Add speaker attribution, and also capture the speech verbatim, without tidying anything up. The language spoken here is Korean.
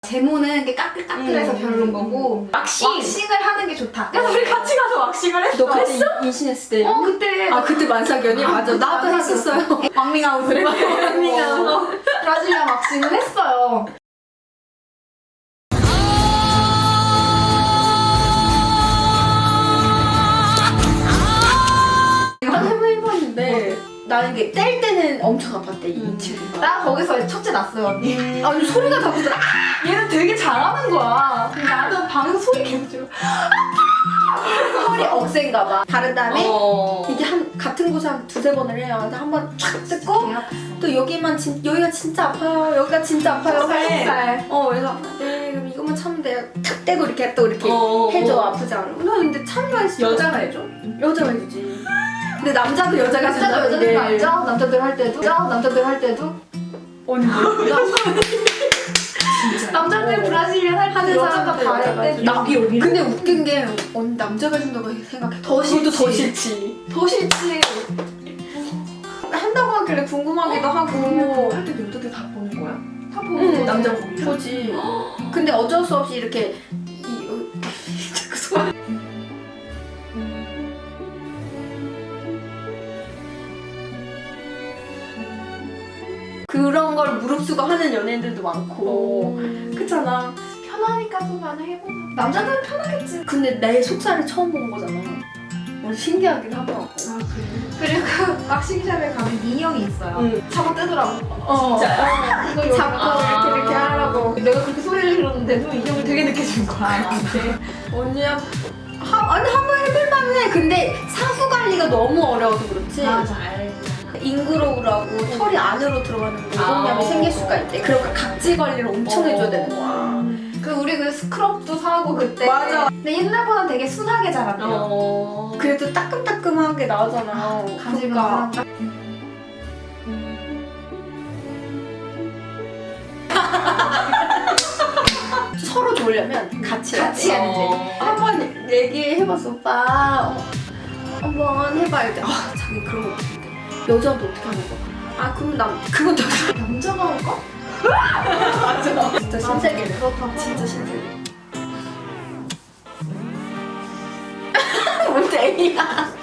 Speaker 1: 제모는 이렇게 까끌까끌해서
Speaker 2: 음.
Speaker 1: 별로인 거고
Speaker 2: 왁싱!
Speaker 1: 왁싱을 하는 게 좋다.
Speaker 2: 그래서 우리 같이 가서 왁싱을 했어.
Speaker 3: 너 그때 임신했을 때.
Speaker 1: 어 그때
Speaker 3: 아 그때 만삭연이? 맞아. 나도 했었어요.
Speaker 1: 왕밍아웃을 했어요.
Speaker 3: 왕밍아웃.
Speaker 1: 브라질리안 왁싱을 했어요.
Speaker 3: 한 해번 해봤는데 나는 이게 뗄 때는 엄청 아팠대 이 친구가.
Speaker 1: 나 거기서 첫째 났어요 언니.
Speaker 3: 아니 소리가 다 무더라.
Speaker 1: 얘는 되게 잘하는 거야. 근데 나는 방에서 소리 계속 지르고
Speaker 3: 허리 억센가 봐. 바른 다음에
Speaker 2: 어.
Speaker 3: 이게 한 같은 곳에 한 두세 번을 해요. 근데 한 번 촥 뜯고
Speaker 1: 개 아팠어.
Speaker 3: 또 여기만 진 여기가 진짜 아파요. 여기가 진짜 아파요. 해.
Speaker 1: 살.
Speaker 3: 어 그래서 네 그럼 이것만 참으면 돼요. 탁 떼고 이렇게 또 이렇게
Speaker 2: 어.
Speaker 3: 해줘. 아프지 않아. 나 근데 참나 했어.
Speaker 2: 여자가 해줘?
Speaker 3: 여자가 해주지. 근데 남자도 여자가
Speaker 1: 남자도
Speaker 3: 해준다,
Speaker 1: 여자들
Speaker 3: 이게.
Speaker 1: 알죠? 남자들 할 때도 남자들 할 때도
Speaker 3: 언니.
Speaker 1: 남자들 브라질리안 할
Speaker 3: 하는
Speaker 1: 때 여자가
Speaker 3: 사람들
Speaker 1: 다
Speaker 3: 여자가
Speaker 1: 할 때
Speaker 3: 해주지.
Speaker 2: 여기 여기.
Speaker 3: 근데 웃긴 게 언니 남자가 해준다고 생각해.
Speaker 1: 더
Speaker 3: 그것도 더
Speaker 1: 싫지.
Speaker 3: 싫지.
Speaker 1: 더 싫지.
Speaker 3: 한다고 하길래 궁금하기도 하고.
Speaker 2: 할 때도 여자들 다 보는 거야?
Speaker 1: 다 보고
Speaker 3: 응,
Speaker 2: 남자 보기.
Speaker 3: 보지. 근데 어쩔 수 없이 이렇게 이, 어, 자꾸 소리. 그런 걸 무릅쓰고 하는 연예인들도 많고 그렇잖아.
Speaker 1: 편하니까 또 많이 해보나. 남자들은 편하겠지.
Speaker 3: 근데 내 속살을 처음 본 거잖아. 어, 신기하긴 하더라고.
Speaker 1: 아 그래. 그리고 왁싱샵에 가면 인형이 있어요.
Speaker 3: 응.
Speaker 1: 잡아 떼더라고.
Speaker 3: 어.
Speaker 2: 진짜요?
Speaker 1: 이거 여기
Speaker 3: 잡고
Speaker 1: 아.
Speaker 3: 이렇게 이렇게 하라고.
Speaker 1: 내가 그렇게 소리를 질렀는데도 인형을 되게 늦게 준 거야.
Speaker 3: 언니야. 하, 아니 한번 해볼만 해. 근데 사후 관리가 너무 어려워서 그렇지.
Speaker 1: 맞아.
Speaker 3: 인그로우라고 털이 안으로 들어가는 모공염이
Speaker 2: 아.
Speaker 3: 생길 수가 있대. 그러니까 각질 관리를 엄청
Speaker 2: 어.
Speaker 3: 해줘야 되는 거야.
Speaker 1: 그 우리 그 스크럽도 사고 그때.
Speaker 3: 맞아.
Speaker 1: 근데 옛날보다 되게 순하게 자랐대요.
Speaker 2: 어.
Speaker 3: 그래도 따끔따끔하게 나오잖아.
Speaker 1: 가지고
Speaker 3: 그러니까.
Speaker 1: 나
Speaker 3: 서로 좋으려면 같이 해야
Speaker 1: 같이
Speaker 3: 돼.
Speaker 1: 해야 돼.
Speaker 2: 어.
Speaker 3: 한번 얘기해봤어. 오빠 어, 한번 해봐. 이때 아 자기 그런 거 못하는데 여자도 어떻게 하는 거? 아 그럼 남 그것도
Speaker 1: 남자가 할까?
Speaker 3: 맞아. 진짜 신세계네.
Speaker 1: 그렇다고.
Speaker 3: 진짜 신세계. 뭔 애야?